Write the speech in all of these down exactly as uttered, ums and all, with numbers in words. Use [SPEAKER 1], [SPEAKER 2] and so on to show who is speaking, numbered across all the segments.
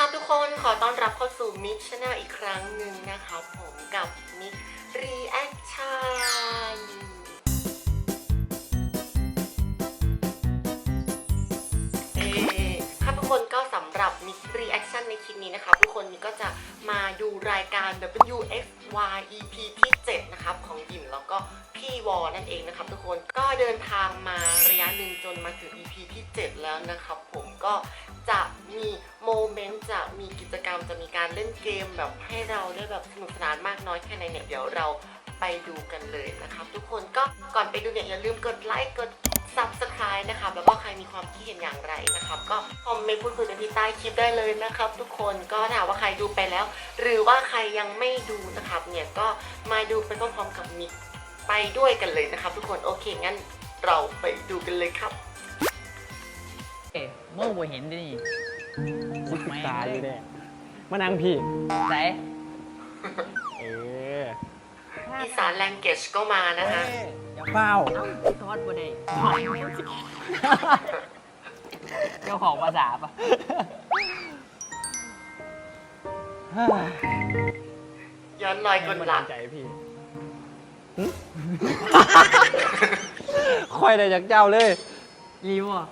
[SPEAKER 1] ครับทุกคนขอต้อนรับเข้าสู่มิกชาแนลอีกครั้งหนึ่งนะครับผมกับมิกรีแอคชั่นเอ๊ครับทุกคนก็สำหรับมิกรีแอคชั่นในคลิปนี้นะครับทุกคนมิกก็จะมาดูรายการ ดับเบิลยู เอ็กซ์ วาย อี พี ที่เจ็ดนะครับของยิมแล้วก็พี่วอนั่นเองนะครับทุกคนก็เดินทางมาระยะหนึ่งจนมาถึง อี พี ที่เจ็ดแล้วนะครับผมก็จะมีโมเมนต์จะมีกิจกรรมจะมีการเล่นเกมแบบให้เราได้แบบสนุกสนานมากน้อยแค่ไหนเนี่ยเดี๋ยวเราไปดูกันเลยนะครับทุกคนก็ก่อนไปดูเนี่ยอย่าลืมกดไลค์กด ซับสไครบ์ นะครับแล้วก็ใครมีความคิดเห็นอย่างไรนะครับก็คอมเมนต์พูดคุยกันที่ใต้คลิปได้เลยนะครับทุกคนก็ถามว่าใครดูไปแล้วหรือว่าใครยังไม่ดูนะครับเนี่ยก็มาดูไปพร้อมๆกับมิกไปด้วยกันเลยนะครับทุกคนโอเคงั้นเราไปดูกันเลยครับ
[SPEAKER 2] เอ๊ะเมื่อผมเห็นดิคุดตาอยู่เนี่ย
[SPEAKER 3] มานั่งพี่
[SPEAKER 2] ไหน
[SPEAKER 3] เออ
[SPEAKER 1] อีสานแลงเกจก็มานะฮะ
[SPEAKER 3] อย่าเป้า
[SPEAKER 2] ทอดบนไดเจ้าของภาษาปะ
[SPEAKER 1] ย้อนรอยกลหลัก
[SPEAKER 3] ใจพี่ค่อยได้จากเจ้าเลย
[SPEAKER 2] รีวอ่ะ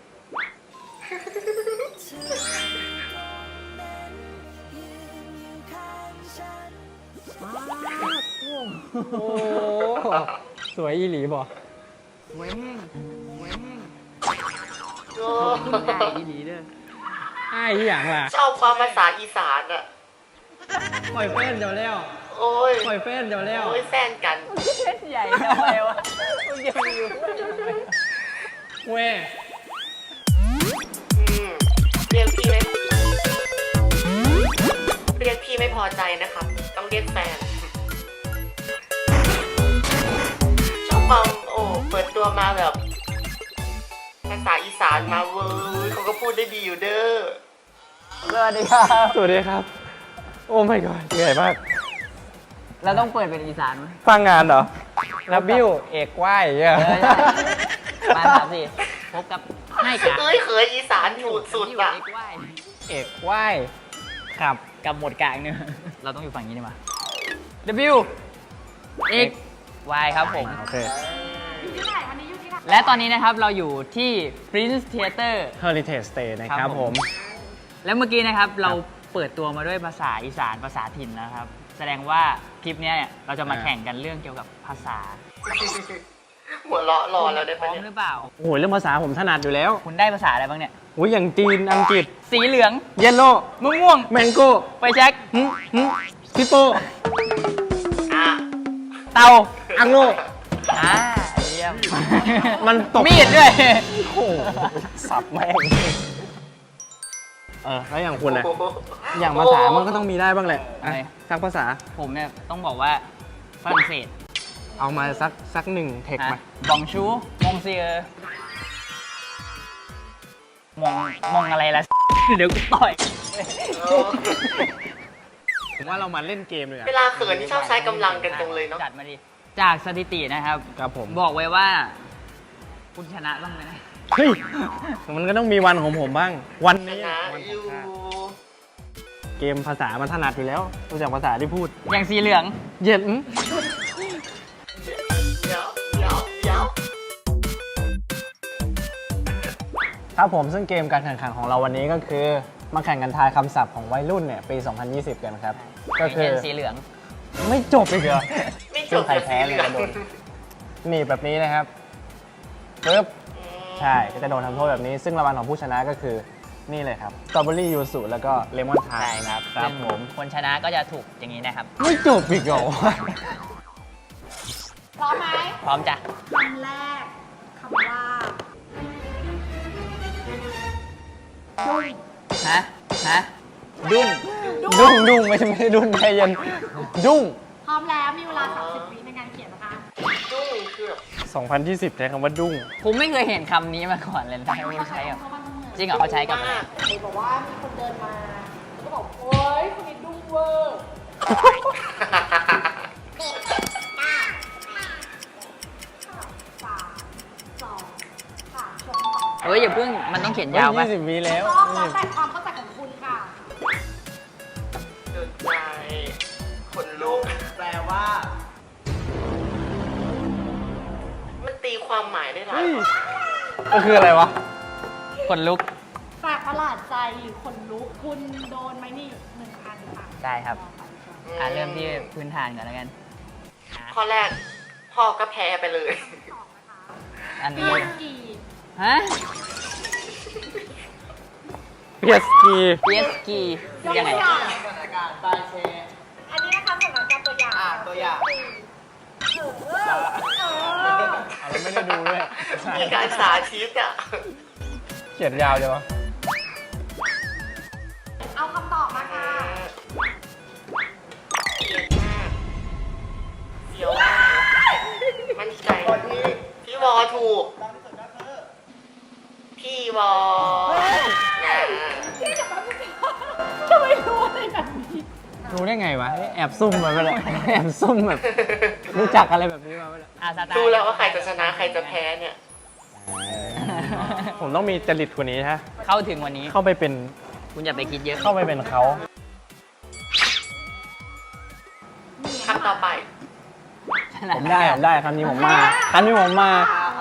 [SPEAKER 3] โอ้สวยอีหลีบ่
[SPEAKER 2] สวยแห้งสวยแห้ง
[SPEAKER 1] โอ้
[SPEAKER 2] ได้อีหลีเด้อ
[SPEAKER 3] ไอ้ที่อย่างล่ะ
[SPEAKER 1] ชอบความภาษาอีสานอ่ะ
[SPEAKER 3] ปล่อยแฟนเดี๋ยวแล้ว
[SPEAKER 1] โอ้ย
[SPEAKER 3] ปล่อยแฟนเดี๋ยวแล้ว
[SPEAKER 1] โอ้ยแฟนกัน
[SPEAKER 2] เล่นใหญ่ทำไมวะมึงยังอยู่
[SPEAKER 3] เว้ย
[SPEAKER 1] เรียกพี่ไหมเรียกพี่ไม่พอใจนะครับต้องเรียกแฟนชอบความโอ้เปิดตัวมาแบบภาษาอีสานมาเว้ยเขาก็พูดได้ดีอยู่เด้อ
[SPEAKER 2] สวัสดีครับ
[SPEAKER 3] สวัสดีครับโอ้ my god เหนื่อยมาก
[SPEAKER 2] เราต้องเปิดเป็นอีสานไหม
[SPEAKER 3] ฟังงานเหรอนับบิ้วเอกไหวเนี่ย
[SPEAKER 2] มาสามสี่พบกับให้กับ
[SPEAKER 1] เอ้ยเคยอีสานถูดสุดอ่ะ
[SPEAKER 3] เอกไหวครับ
[SPEAKER 2] กับหมดกลางเนี่ยเราต้องอยู่ฝั่งนี้ดีมา W X Y ครับผม
[SPEAKER 3] โอเค
[SPEAKER 2] และตอนนี้นะครับเราอยู่ที่ Prince Theater
[SPEAKER 3] Heritage Stay นะครับผม
[SPEAKER 2] แล้วเมื่อกี้นะครับเราเปิดตัวมาด้วยภาษาอีสานภาษาถิ่นนะครับแสดงว่าคลิปนี้เราจะมาแข่งกันเรื่องเกี่ยวกับภาษา
[SPEAKER 1] หัวเราะรอแล้วได้
[SPEAKER 2] ปะเนี่ยหรือเปล่า
[SPEAKER 3] โอ้โหเรื่องภาษาผมถนัดอยู่แล้ว
[SPEAKER 2] คุณได้ภาษาอะไรบ้างเนี่ย
[SPEAKER 3] โอ้ยอย่างจีนอังกฤษ
[SPEAKER 2] สีเหลือง
[SPEAKER 3] เยลโล่
[SPEAKER 2] มะม่วง
[SPEAKER 3] แมงโก้
[SPEAKER 2] ไปแช็ค
[SPEAKER 3] ซิโป
[SPEAKER 2] เตา
[SPEAKER 3] อังโล
[SPEAKER 2] อ่าเยี่ยม
[SPEAKER 3] มันตก
[SPEAKER 2] มีดด้วย
[SPEAKER 3] โอ้สับแม่งเออแล้วอย่างคุณนะอย่างภาษามันก็ต้องมีได้บ้างแหละสักภาษา
[SPEAKER 2] ผมเนี่ยต้องบอกว่าฝรั่งเศส
[SPEAKER 3] เอามาสักสักหนึ่งเทคมา
[SPEAKER 2] บองชูมองเซียมองมองอะไรล่ะเดี๋ยวกูต่อย
[SPEAKER 3] ผมว่าเรามาเล่นเกมเลยอะ
[SPEAKER 1] เวลาเขินที่ชอบใช้กำลังกันจังเลยเนาะ
[SPEAKER 2] จัดมาดิจากสถิตินะครับ
[SPEAKER 3] ครับผม
[SPEAKER 2] บอกไว้ว่าคุณชนะบ้างไหมนะ
[SPEAKER 3] เฮ้ยมันก็ต้องมีวันของผมบ้างวันนี้เกมภาษามันถนัดอยู่แล้วรู้จักภาษาที่พูด
[SPEAKER 2] อย่างสีเหลือง
[SPEAKER 3] เย็นครับผมซึ่งเกมการแข่งขันของเราวันนี้ก็คือมาแข่งกันทายคำศัพท์ของวัยรุ่นเนี่ยปี สองพันยี่สิบ กันครับ
[SPEAKER 2] ก็คือสีเหลือง
[SPEAKER 3] ไม่จบอีกเหรอ
[SPEAKER 1] ไม่จบ
[SPEAKER 3] ใครแพ้เลยจะโดนหนีแบบนี้นะครับปึ๊บใช่ก็จะโดนทำโทษแบบนี้ซึ่งรางวัลของผู้ชนะก็คือนี่เลยครับสตรอเบอรี่ยูสุแล้วก็เลมอนทาย
[SPEAKER 2] ครับ
[SPEAKER 3] ครับผม
[SPEAKER 2] คนชนะก็จะถูกอย่างนี้นะครับ
[SPEAKER 3] ไม่จบอีกเหรอ
[SPEAKER 4] พร้อมไหม
[SPEAKER 2] พร้อมจ้ะ
[SPEAKER 4] คำแรกคำว่าดุ้ง
[SPEAKER 2] ฮะฮะดุ้ง
[SPEAKER 3] ดุ้งดุ้งไม่ใช่ไม่ใช่ดุ้งใจเย็นดุ้ง
[SPEAKER 4] พร้อมแล้วมีเวลาสามสิบวิในการเขียนนะคะ
[SPEAKER 1] ดุ้งคือ
[SPEAKER 3] สองพันยี่สิบใช้คำว่าดุ้ง
[SPEAKER 2] ผมไม่เคยเห็นคำนี้มาก่อนเลยนะไม่ใช้กับจริงเหรอเขาใช้กับอะไร
[SPEAKER 4] บอกว่ามีคนเดินมาแล้วก็บอกโอ๊ยคนนี้ดุ้งเวอร์
[SPEAKER 2] เฮ้ยอย่าเพิ่งมันต้องเขียนยาว
[SPEAKER 3] ป่ะยี่สิบวิแล้ว
[SPEAKER 4] ต้องแล้วแต่ความเข้าใจของคุณค่ะ
[SPEAKER 3] ฮ้ยก็คืออะไรวะ
[SPEAKER 2] ขนลุก
[SPEAKER 4] แปลกประหลาดใจหรือคนลุกคุณโดนไหมนี่หนึ่งอันค่ะ
[SPEAKER 2] ได้ครับ อ่าเริ่มที่พื้นฐานก่อนแล้วกัน
[SPEAKER 1] ข้อแรกพ่อก็แพ้ไปเลย
[SPEAKER 2] อัน
[SPEAKER 4] พี
[SPEAKER 2] นี้
[SPEAKER 4] เอสกี
[SPEAKER 2] ฮะ
[SPEAKER 3] เพียสกี
[SPEAKER 2] พี เอส กี
[SPEAKER 4] ยก
[SPEAKER 2] ยังไง
[SPEAKER 4] ตัวอย่าง
[SPEAKER 5] สถานการณ์ตาเช
[SPEAKER 4] อันนี้นะคะสถานการณ์ตัวอย่าง
[SPEAKER 5] อ่าตัวอย่าง
[SPEAKER 4] เออเออเออ
[SPEAKER 3] เราไม่ได้ดูด้วย
[SPEAKER 1] มีการสาธิตอ่ะ
[SPEAKER 3] เขียนยาวเลยวะ
[SPEAKER 4] เอาคำตอบมาค่ะ
[SPEAKER 1] เสียวมากมั่นใจพี่วอถูก พี่วอนะ
[SPEAKER 4] ทำไมรู้อะไรแบบนี้
[SPEAKER 3] รู้ได้ไงวะ แอบซุ่มมาไปเลยแอบซุ่มแบบ รู้จักอะไรแบบนี้มาไปเลย
[SPEAKER 2] อ่าสไตล์
[SPEAKER 1] ดูแล้วว่าใครจะชนะใครจะแพ้เนี่ย
[SPEAKER 3] ผมต้องมีจริตกว่านี้ฮะ
[SPEAKER 2] เข้าถึงวันนี้
[SPEAKER 3] เข้าไปเป็น
[SPEAKER 2] คุณอย่าไปคิดเยอะ
[SPEAKER 3] เข้าไปเป็นเขา
[SPEAKER 1] คำต่อไป
[SPEAKER 2] ฉลา
[SPEAKER 3] ผมได้ผมได้คำนี้ผมมาคำนี้ผมมา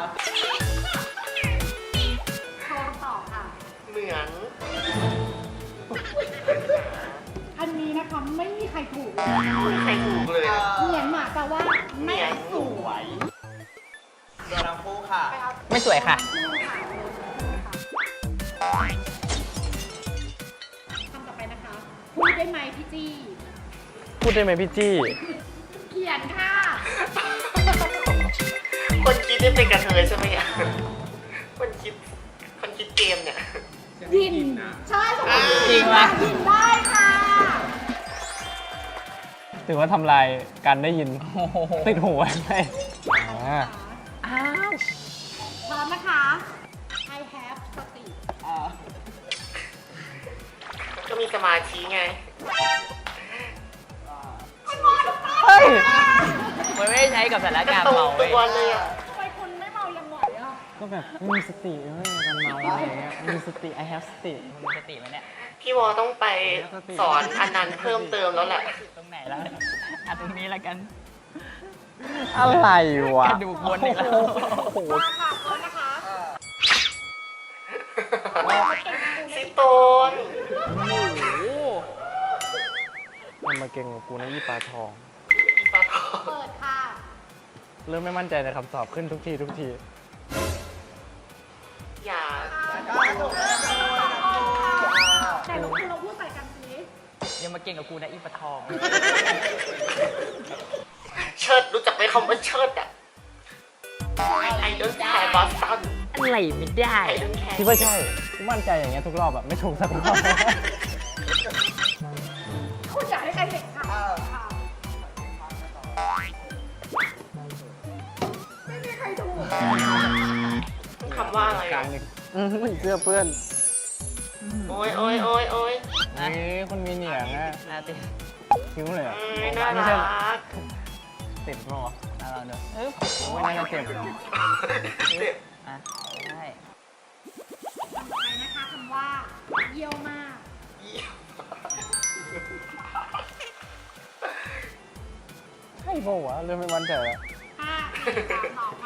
[SPEAKER 4] โชว์คำตอบค่ะ
[SPEAKER 1] เหมือน
[SPEAKER 4] อันนี้นะคะไม่มีใครถูกเลย
[SPEAKER 1] ใครถูกเลยนะ
[SPEAKER 4] เหมียนหมาแปลว่าไม่สวย
[SPEAKER 5] โดนทั้งคู่ค่ะ
[SPEAKER 4] ไปเอา
[SPEAKER 2] ไม่สวยค่ะ
[SPEAKER 4] คำต่อไปนะคะ พูดได้ไหมพี่จี้
[SPEAKER 3] พูดได้ไหมพี่จี้
[SPEAKER 4] เขียนค่ะ
[SPEAKER 1] คนคิดนี่เป็นกระเทยใช่ไหมอ่ะคนคิด คนคิดเกมเนี่ย
[SPEAKER 4] ยิน ใช่สมมติ
[SPEAKER 2] จริงปะ
[SPEAKER 4] ยินได้ค่ะ
[SPEAKER 3] ถือว่าทำลายการได้ยิน
[SPEAKER 2] โอ้โห
[SPEAKER 3] ติดหูไว้ไหมอ่า
[SPEAKER 2] อ้าว
[SPEAKER 4] พร้อมนะคะ I have สติ
[SPEAKER 1] ก็มีสมาธิไง
[SPEAKER 3] เฮ้ย
[SPEAKER 2] มันไม่ได้ใช้กับสถานการณ์
[SPEAKER 1] ตรง
[SPEAKER 2] เมา
[SPEAKER 1] ตั
[SPEAKER 2] เว้ยว
[SPEAKER 1] เลยอ่ะ
[SPEAKER 4] ทำไมคุณไม่เมายังไหวอ่ะ
[SPEAKER 3] ก็แบบมีสติเว้ยกันเมาอะไรเงี้ยมีสติ I have สติ
[SPEAKER 2] มึงมีสติไหมเนี่ย
[SPEAKER 1] พี่วอต้องไปสอนอันนั้นเพิ่มเติมแล้วแหละ
[SPEAKER 2] ตรงไหนแล้วอ่ะตรงนี้แล้วกัน
[SPEAKER 3] อะไรวะ
[SPEAKER 2] กระดูกบนอีกแล้ว
[SPEAKER 3] โอ้โห
[SPEAKER 4] มาค่ะพร้อมนะคะ
[SPEAKER 1] ซิโตน
[SPEAKER 3] มันมาเก่งกับกูนะยี่ปลาทอง
[SPEAKER 1] อีปลาทอง
[SPEAKER 4] เปิดค่ะ
[SPEAKER 3] เริ่มไม่มั่นใจในคำตอบขึ้นทุกทีทุกที
[SPEAKER 1] อย่า
[SPEAKER 4] แต่เราคุณเราพูดใส่กันสิ
[SPEAKER 2] ยังมาเก่งกับกูนะอีปะทอง
[SPEAKER 1] เชิดรู้จักไหมคำว่าเชิดอ่ะ I don't care Boston
[SPEAKER 2] อะไรไม่ได้
[SPEAKER 1] I don't care
[SPEAKER 3] คิดว่าใช่มั่นใจอย่างเงี้ยทุกรอบแบบไม่ถูกสักรอบ
[SPEAKER 4] คุณอยากให้ใครเห็นค่ะค่ะไม่มีใครถูก
[SPEAKER 1] คำว่าอะไร
[SPEAKER 3] กลา
[SPEAKER 1] อ่ะ
[SPEAKER 3] งหนึ่งอืมเสื้อเพื่อน
[SPEAKER 1] โอ้ยโอ้ยโอ้ยโอ้ย
[SPEAKER 2] นะ
[SPEAKER 3] นี่คนมีเหนียงอะ
[SPEAKER 2] อ่ะติด
[SPEAKER 3] คิ้วเลยอะ
[SPEAKER 1] อืมน่า
[SPEAKER 3] ไม่
[SPEAKER 1] รั
[SPEAKER 3] ใช่
[SPEAKER 1] ก
[SPEAKER 3] ติดมั้งวะ
[SPEAKER 2] อ่ะลองดูอึ๊บ
[SPEAKER 3] ไม่น่าจะเจ็บ
[SPEAKER 1] เจ็บ
[SPEAKER 2] อ่ะได้
[SPEAKER 4] คำต่อไปนะคะคำว่า เยี่ยวมาก
[SPEAKER 3] ใช่ปะวะเริ่มไม่มั่นใจแล้ว
[SPEAKER 4] ห้าสี่สามสองมา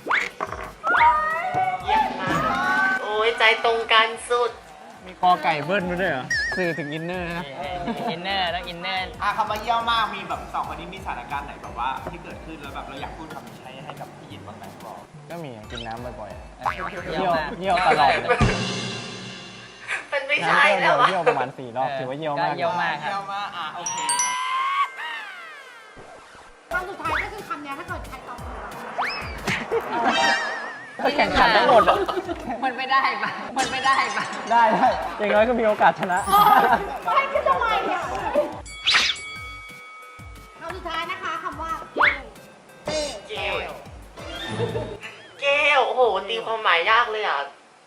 [SPEAKER 1] เยี่ยมมากโอ้ยใจตรงกันสุด
[SPEAKER 3] มีคอไก่เบิ้ลมาด้วยเหรอสื่อถึงอินเนอร์นะ
[SPEAKER 2] อินเนอร์ต้องอินเนอร์
[SPEAKER 5] อ่ะคำว่าเยี่ยมมากมีแบบสองคนนี้มีสถานการณ์ไหนแบบว่าที่เกิดขึ้นแล้วแบบเราอยากพูดคำนี้ใช้ให้กับพี่ยินบ้างไหมบอก
[SPEAKER 3] ก็มีอะกินน้ำบ่อยๆอะ
[SPEAKER 2] เยี่ยวมาก
[SPEAKER 3] เยี่ยวตลอด
[SPEAKER 1] มันไม่
[SPEAKER 3] น้ำ
[SPEAKER 1] ใช่
[SPEAKER 3] แก้วเดี
[SPEAKER 1] แล้
[SPEAKER 3] ยว ว
[SPEAKER 1] วะ
[SPEAKER 3] เยี่ยวประมาณสี่รอบถือว่าเยี่ยวมาก
[SPEAKER 2] ก็เยี่ยวมากค
[SPEAKER 5] เยี่
[SPEAKER 2] รั
[SPEAKER 5] ย
[SPEAKER 2] บ
[SPEAKER 5] มมากอ่ะโอเค
[SPEAKER 4] คำสุดท้ายก็คือคำเนี้ยถ้าเกิดใครตอบถูกอะ
[SPEAKER 3] ถ้าแข่งขันทั้งหมดอะ
[SPEAKER 2] มันไม่ได้ปะมันไม่ได้ปะ
[SPEAKER 3] ได้ได้อย่างน้อยก็มีโอกาสชนะ
[SPEAKER 4] เออให้ขึ้นทำไมเนี่ยคำสุดท้ายนะคะคำว่าเกล
[SPEAKER 1] เกลเกลโอ้โห ตีความหมายยากเลยอ่ะ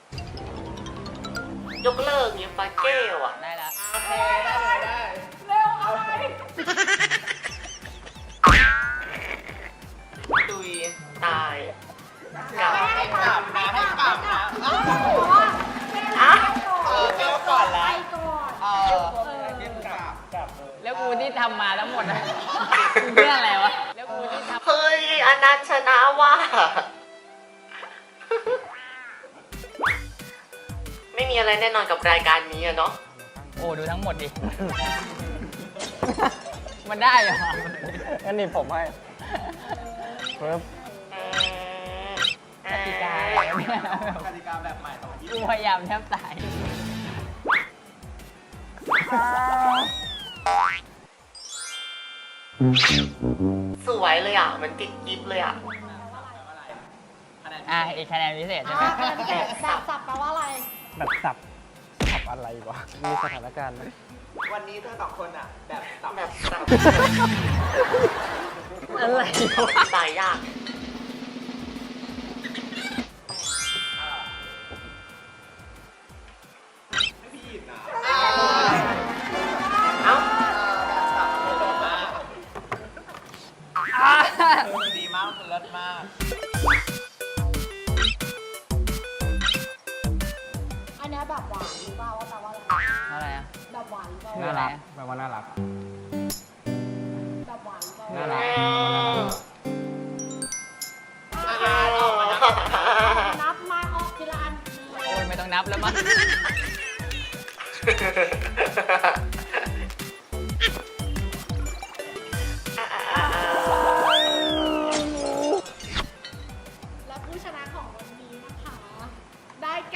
[SPEAKER 1] ยกเลิกเนี่ยปลาเกลอ่ะ
[SPEAKER 2] ได้แล้ว
[SPEAKER 5] โอเคได้เลยได้
[SPEAKER 4] เร็วอะไร
[SPEAKER 1] ตุย ตายกลับ
[SPEAKER 5] ให้กลับนะให้กลับนะ
[SPEAKER 4] เพราะว่าเกล
[SPEAKER 1] อ่ะ
[SPEAKER 5] เออเกลก่อนละ
[SPEAKER 4] ไปก่อน
[SPEAKER 5] เออเยี่ยมกลับกลับเลย
[SPEAKER 2] แล้วกูที่ทำมาทั้งหมดอะเรื่องอะไรวะ แล้วกูที่ทำ
[SPEAKER 1] เฮ้ย อันนั้นชนะว่ะมีอะไรแน่นอนกับรายการนี้อะเนาะ
[SPEAKER 2] โอ้ดูทั้งหมดดิ มันได้เหรอ
[SPEAKER 3] งั้นนี่ผมให้ปึ๊บ
[SPEAKER 2] กติกาอะไรเนี่ย
[SPEAKER 5] กติกาแบบใหม่ของยี่
[SPEAKER 2] กูพยายามแทบตาย
[SPEAKER 1] สวยเลยอ่ะ มันติดกิฟเลยอ่ะ
[SPEAKER 2] อ่ะอีกคะแนนพิเศษใช่ไหม
[SPEAKER 4] อ่าเป็นแบบแบบสับแปลว่าอะไร
[SPEAKER 3] แบบสับสับอะไรวะมีสถานการณ์ไหม
[SPEAKER 5] วันนี้เธอสองคนอ่ะ แบบสับ
[SPEAKER 1] แบบสับ
[SPEAKER 2] อะไรวะ
[SPEAKER 1] ตายยาก
[SPEAKER 5] ให้พี่หยิบนะ
[SPEAKER 1] เอ้า
[SPEAKER 5] สับเลยมากดีมากมันเลิศมาก
[SPEAKER 4] อันเนี้ยแบบหวานหรือเปล่าว่าแปลว่าอะไร
[SPEAKER 2] อะไรอ่ะ
[SPEAKER 4] แบบหวานหรือเปล่า
[SPEAKER 2] คือ
[SPEAKER 3] น่า
[SPEAKER 2] อะไร
[SPEAKER 3] รัก
[SPEAKER 2] อะ
[SPEAKER 3] แปลว่าน่ารัก
[SPEAKER 4] แบบหวานหรือเปล่า
[SPEAKER 3] น่ารัก
[SPEAKER 4] นับมาออกทีละอัน
[SPEAKER 2] โอ้ยไม่ต้องนับแล้วมั้ง
[SPEAKER 4] และผู้ชนะของวันนี้นะคะ ได้แก่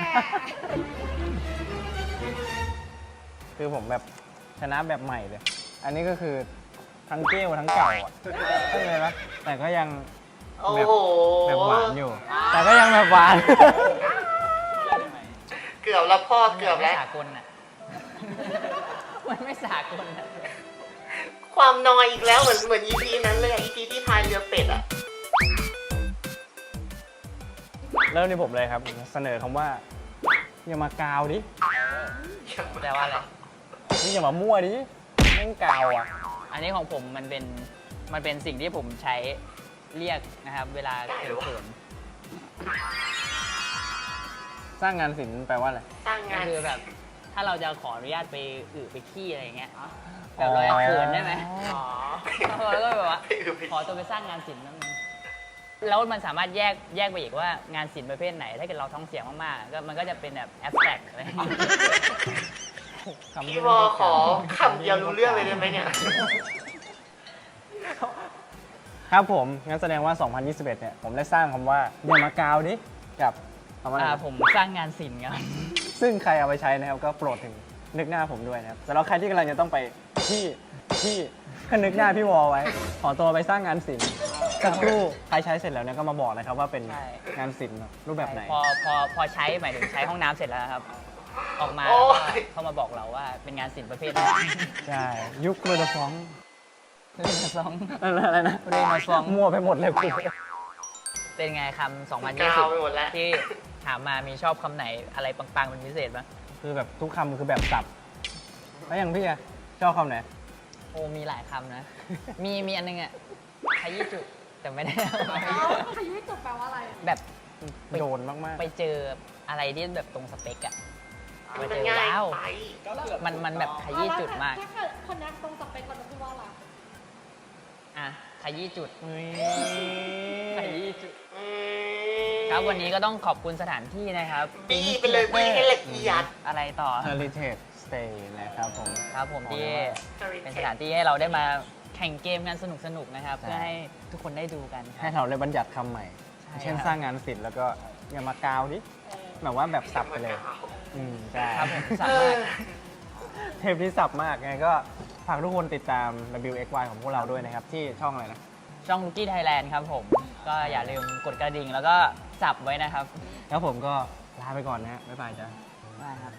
[SPEAKER 3] คือผมแบบชนะแบบใหม่เลย อันนี้ก็คือทั้งเกลทั้งเก่าอ่ะใช่ไหมล่ะแต่ก็ยัง
[SPEAKER 1] โอ้
[SPEAKER 3] แบบ
[SPEAKER 1] โห
[SPEAKER 3] แบบหวานอยู่ แต่ก็ยังแบบหวาน
[SPEAKER 1] เกือบแล้วพ่อเกือบแล้ว
[SPEAKER 2] ไม่สากลอ่ะ มันไม่สากลอ่ะ
[SPEAKER 1] ความนอยอีกแล้วเหมือนเหมือน อี พี นั้นเลยอะ อี พี ที่พายเรือเป็ดอ่ะ
[SPEAKER 3] เริ่มที่ผมเลยครับ เสนอคำว่า อย่ามากาวดิ
[SPEAKER 2] แปลว่าอะไร
[SPEAKER 3] นี่อย่ามามั่วดิแม่งกาวอ่ะ
[SPEAKER 2] อันนี้ของผมมันเป็น มันเป็นสิ่งที่ผมใช้เรียกนะครับ เวลาเขิน
[SPEAKER 3] สร้างงานศิลป์แปลว่าอะไร
[SPEAKER 1] สร้าง
[SPEAKER 2] ๆ
[SPEAKER 1] งา
[SPEAKER 2] ก็
[SPEAKER 1] น
[SPEAKER 2] คือแบบ ถ้าเราจะขออนุญาตไปอึไปขี้อะไรอย่างเงี้ย แบบเราจะเขินได้ไหม
[SPEAKER 1] อ๋อ
[SPEAKER 2] เราก็แบบว่า
[SPEAKER 1] ไปอือไป
[SPEAKER 2] ขอตัวไปสร้างงานศิลป์นั่นเองแล้วมันสามารถแยกแยกไปอีกว่างานศิลป์ประเภทไหน ถ้าเกิดเราท้องเสียงมากๆก็มันก็จะเป็นแบบแอบสแตรกอะไรอย่างเงี้ย
[SPEAKER 1] พี่วอขอคำเดียวรู้เรื่องเลยได้ไหมเนี่ย
[SPEAKER 3] ครับผม งั้นแสดงว่า สองพันยี่สิบเอ็ด เนี่ย ผมได้สร้างคำว่า อย่ามากาวดิ กับคำว่าอะไร
[SPEAKER 2] อ่า
[SPEAKER 3] นะ
[SPEAKER 2] ผมสร้างงานศิลป์ครับ
[SPEAKER 3] ซึ่งใครเอาไปใช้นะครับ ก็โปรดถึงนึกหน้าผมด้วยนะครับสำหรับใครที่กำลังจะต้องไปที่ที่ก็นึกหน้าพี่วอไว้ ขอตัวไปสร้างงานศิลป์สักครู่ใครใช้เสร็จแล้วเนี่ยก็มาบอกนะครับว่าเป็น
[SPEAKER 2] ใช่
[SPEAKER 3] งานศิลป์รูปแบบไหน
[SPEAKER 2] พอพอพอใช้หมายถึงใช้ห้องน้ำเสร็จแล้วครับ ออกมา
[SPEAKER 1] โอ้
[SPEAKER 2] แล้วก็
[SPEAKER 1] ย
[SPEAKER 2] เข้ามาบอกเราว่าเป็นงานศิลป์ประเภทไหน
[SPEAKER 3] ใช่ ยุคเรือฟอง
[SPEAKER 2] เรื่องซอง
[SPEAKER 3] อะไรนะ
[SPEAKER 2] เรื่องฟอง
[SPEAKER 3] มั่วไปหมดเลยกู
[SPEAKER 2] เป็นไงคำสองพัน
[SPEAKER 1] ก
[SPEAKER 2] ยี่
[SPEAKER 1] า
[SPEAKER 2] สิ
[SPEAKER 1] ว
[SPEAKER 2] บ
[SPEAKER 1] ไปหมดแล้ว
[SPEAKER 2] ที่ถามมามีชอบคำไหนอะไรปังๆเป็นพิเศษบ้าง
[SPEAKER 3] คือแบบทุกคำคือแบบสับ แล้วอย่างพี่อะชอบคำไหน
[SPEAKER 2] โอ้มีหลายคำนะ มีมีอันนึงอ่ะขยี้จุดแต่ไม่ได้
[SPEAKER 4] เอ้าขยี้จุดแปลว่าอะไรอะ
[SPEAKER 2] แบบไป
[SPEAKER 3] โดนมากๆ
[SPEAKER 2] ไปเจออะไรที่แบบตรงสเปกอะไป
[SPEAKER 1] มัน
[SPEAKER 2] เจอ
[SPEAKER 1] ง่าย
[SPEAKER 2] ว้าว
[SPEAKER 1] ไป
[SPEAKER 5] ก็เกือบ
[SPEAKER 2] มันมันแบบขยี้จุดมาก
[SPEAKER 4] ถ้าเกิดคนนั้นตรงสเปคคนนั้นพูดว่าอะไร
[SPEAKER 2] อ่ะขยี้จุด
[SPEAKER 3] เฮ้ย
[SPEAKER 2] ขยี้จุด
[SPEAKER 1] อืม
[SPEAKER 2] ครับวันนี้ก็ต้องขอบคุณสถานที่นะครับ
[SPEAKER 1] บี้ไปเลยบี้ให้ละเอียด
[SPEAKER 2] อะไรต่อ
[SPEAKER 3] Heritage Stay นะครับผม
[SPEAKER 2] ครับผมที่
[SPEAKER 1] Heritage
[SPEAKER 2] เป็นสถานที่ให้เราได้มาแข่งเกมกันสนุกๆนะครับ
[SPEAKER 3] ใช่
[SPEAKER 2] เพื่อให้ทุกคนได้ดูกันค
[SPEAKER 3] ให้
[SPEAKER 2] รับ
[SPEAKER 3] เราได้บัญญัติคำใหม่
[SPEAKER 2] ใช่
[SPEAKER 3] เช่น
[SPEAKER 2] ครับ
[SPEAKER 3] สร้างงานศิลป์แล้วก็อย่ามากาวดิ
[SPEAKER 4] เออ
[SPEAKER 3] แบบว่าแบบสับไปเลย อืมใช่
[SPEAKER 2] ครับผมสา
[SPEAKER 1] เอ
[SPEAKER 2] มาร
[SPEAKER 1] อ
[SPEAKER 2] ถ
[SPEAKER 3] เทปที่สับมากไงก็ฝากทุกคนติดตาม ดับเบิลยู เอ็กซ์ วาย ของพวกเราด้วยนะครับ ที่ช่องอะไรนะ
[SPEAKER 2] ช่อง Lucky Thailand ครับผม ก็อย่าลืมกดกระดิ่งแล้วก็สับไว้นะครับ
[SPEAKER 3] แล้วผมก็ลาไปก่อนนะฮะบ๊ายบายจ้ะ
[SPEAKER 2] ได้ครับ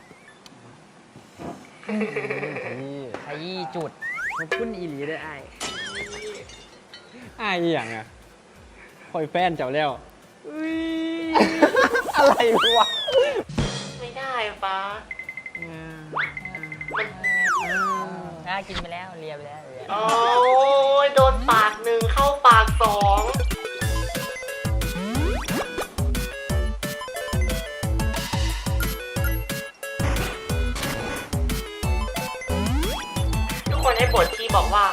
[SPEAKER 3] นี่
[SPEAKER 2] ขยี้จุดมาพุ่นอีหลีด้วยไอ้
[SPEAKER 3] อ้ายอหย่างอ่ะคอยแฟนเจ้าแล้วอะไรวะ
[SPEAKER 1] ไม่ได้ปะมัน
[SPEAKER 2] น่ากินไปแล้วเลียไปแล้วเลีย
[SPEAKER 1] โอ้ยโดนปากหนึ่งเข้าปากสองทุกคนให้บทที่บอกว่า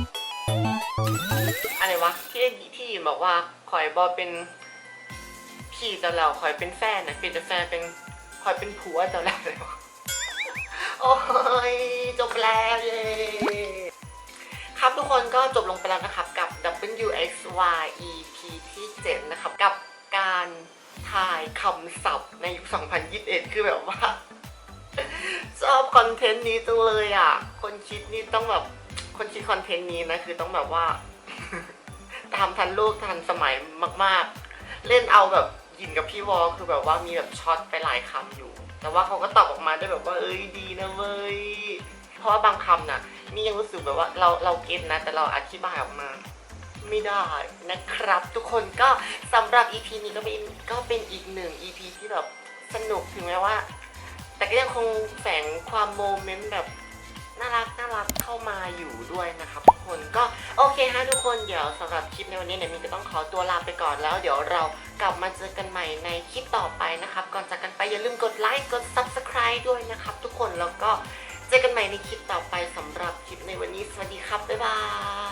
[SPEAKER 1] อะไรวะ ที่ที่บอกว่าขอยบอเป็นพี่จะแล้วขอยเป็นแฟนนะเป็นแต่แฟนเป็นพลอยเป็นผัวเจ้าแล้วเลยวะโอ้ยจบแล้วเย้ครับทุกคนก็จบลงไปแล้วนะครับกับ ดับเบิลยู เอ็กซ์ วาย อี พี ที่เจ็ดนะครับกับการทายคำศัพท์ในยุค สองพันยี่สิบเอ็ด คือแบบว่า ชอบคอนเทนต์นี้จังเลยอ่ะคนคิดนี่ต้องแบบคนคิดคอนเทนต์นี้นะคือต้องแบบว่า ตามทันโลกทันสมัยมากๆ เล่นเอาแบบยินกับพี่วอลคือแบบว่ามีแบบช็อตไปหลายคำอยู่ แต่ว่าเขาก็ตอบออกมาได้แบบว่าเอ้ยดีนะเว้ยเพราะว่าบางคำน่ะนี่ยังรู้สึกแบบว่าเราเราเก็ตนะแต่เราอธิบายออกมาไม่ได้นะครับ ทุกคนก็สำหรับ อี พี นี้ก็เป็นก็เป็นอีกหนึ่ง อี พี ที่แบบสนุกถึงแม้ว่า แต่ก็ยังคงแฝงความโมเมนต์แบบน่ารักน่ารักเข้ามาอยู่ด้วยนะครับทุกคนก็โอเคฮะทุกคนเดี๋ยวสำหรับคลิปในวันนี้เนี่ยมินก็ต้องขอตัวลาไปก่อนแล้วเดี๋ยวเรากลับมาเจอกันใหม่ในคลิปต่อไปนะครับก่อนจากกันไปอย่าลืมกดไลค์กด ซับสไครบ์ ด้วยนะครับทุกคนแล้วก็เจอกันใหม่ในคลิปต่อไปสำหรับคลิปในวันนี้สวัสดีครับบ๊ายบาย